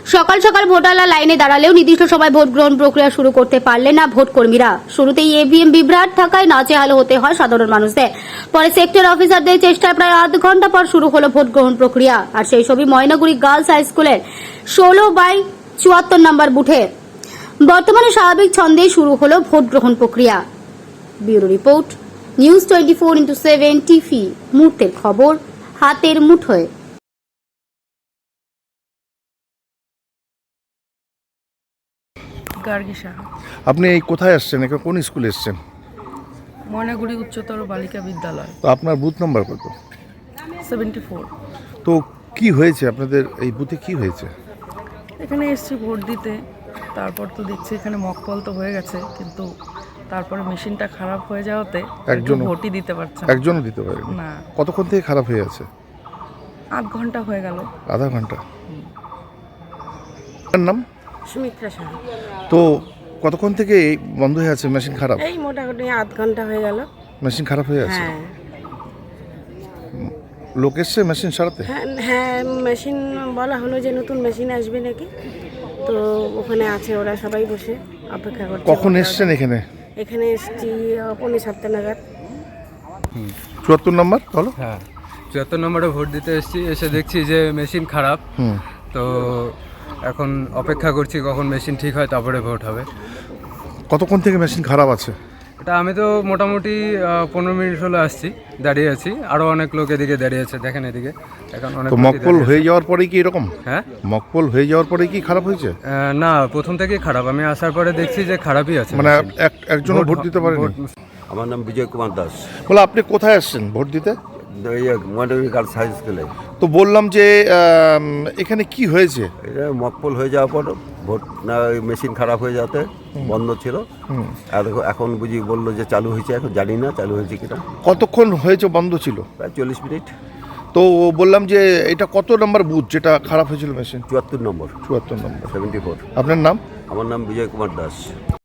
সকাল সকাল ভোটাররা লাইনে দাঁড়ালেও নির্দিষ্ট সময় ভোট গ্রহণ প্রক্রিয়া শুরু করতে পারলেন না ভোট কর্মীরা। শুরুতেই ইভিএম বিভ্রাট থাকায় নাজেহাল হতে হয় সাধারণ মানুষদের। পরে সেক্টর অফিসারদের চেষ্টায় প্রায় আধ ঘন্টা পর শুরু হলো ভোট গ্রহণ প্রক্রিয়া। আর সেই ছবি ময়নাগুড়ি গার্লস হাই স্কুলের 16/74 নম্বর বুথে। বর্তমানে স্বাভাবিক ছন্দেই শুরু হলো ভোট গ্রহণ প্রক্রিয়া। Bureau report, news 24x7 TV. মুহূর্তের খবর হাতের মুঠোয়। গার্গিসা, আপনি এই কোথায় আসছেন? এখানে কোন স্কুলে এসছেন? ময়নাগুড়ি উচ্চতর বালিকা বিদ্যালয়, তো আপনার বুথ নাম্বার কত? 74। তো কি হয়েছে আপনাদের এই বুথে, কি হয়েছে? এখানে এসছি ভোট দিতে, তারপর তো দেখছি এখানে মকপল তো হয়ে গেছে, কিন্তু তারপরে মেশিনটা খারাপ হয়ে যাওয়াতে একজনও ভোটই দিতে পারছে না। একজনও দিতে পারেনি? না, কতক্ষণ থেকে খারাপ হয়ে আছে? আধ ঘন্টা হয়ে গেল। আধা ঘন্টা। আপনার নাম? সুমিত্রা সাহা। তো কতক্ষণ থেকে এই বন্ধ হয়ে আছে মেশিন খারাপ? এই মোটামুটি আধ ঘন্টা হয়ে গেল। মেশিন খারাপ হয়ে আছে? হ্যাঁ লোক এসছে মেশিন সারাতে? হ্যাঁ হ্যাঁ, মেশিন বলা হলো যে নতুন মেশিন আসবে নাকি, তো ওখানে আছে, ওরা সবাই বসে অপেক্ষা করছে। কখন এসছেন এখানে? এখানে এসছি 6:45 নাগাদ। 74 নম্বর বলো। হ্যাঁ, 74 নম্বরে ভোট দিতে এসেছি। এসে দেখছি যে মেশিন খারাপ। তো এখন অপেক্ষা করছি কখন মেশিন ঠিক হয়, তারপরে ভোট হবে। কতক্ষণ থেকে মেশিন খারাপ আছে? এটা আমি তো মোটামুটি 15 মিনিট হলো আসছি, দাঁড়িয়ে আছি। আরও অনেক লোক এদিকে দাঁড়িয়ে আছে, দেখেন এদিকে। এখন অনেক তো লোকই মকপল দাঁড়িয়ে হয়ে আছে। যাওয়ার পরে কি এরকম? হ্যাঁ, মকপল হয়ে যাওয়ার পরে কি খারাপ হয়েছে? না, প্রথম থেকেই খারাপ। আমি আসার পরে দেখছি যে খারাপই আছে মানে মেশিন। একজনও ভোট দিতে পারেনি? ভোট- আমার নাম বিজয় কুমার দাস। বলে আপনি কোথায় আসছেন ভোট দিতে? এই ময়নাগুড়ি গার্লস হাই স্কুলে। তো বললাম যে এখানে কি হয়েছে? এটা মকপল হয়ে যাওয়ার পর ভোট না, ওই মেশিন খারাপ হয়ে যাতে বন্ধ ছিল। আর এখন বুঝি বললো যে চালু হয়েছে, এখন জানি না চালু হয়েছে কিনা। কতক্ষণ হয়েছে বন্ধ ছিল? প্রায় 40 মিনিট। তো বললাম যে এটা কত নম্বর বুথ যেটা খারাপ হয়েছিল মেশিন? 74 নম্বর, 74 নম্বর। 74। আপনার নাম? আমার নাম বিজয় কুমার দাস।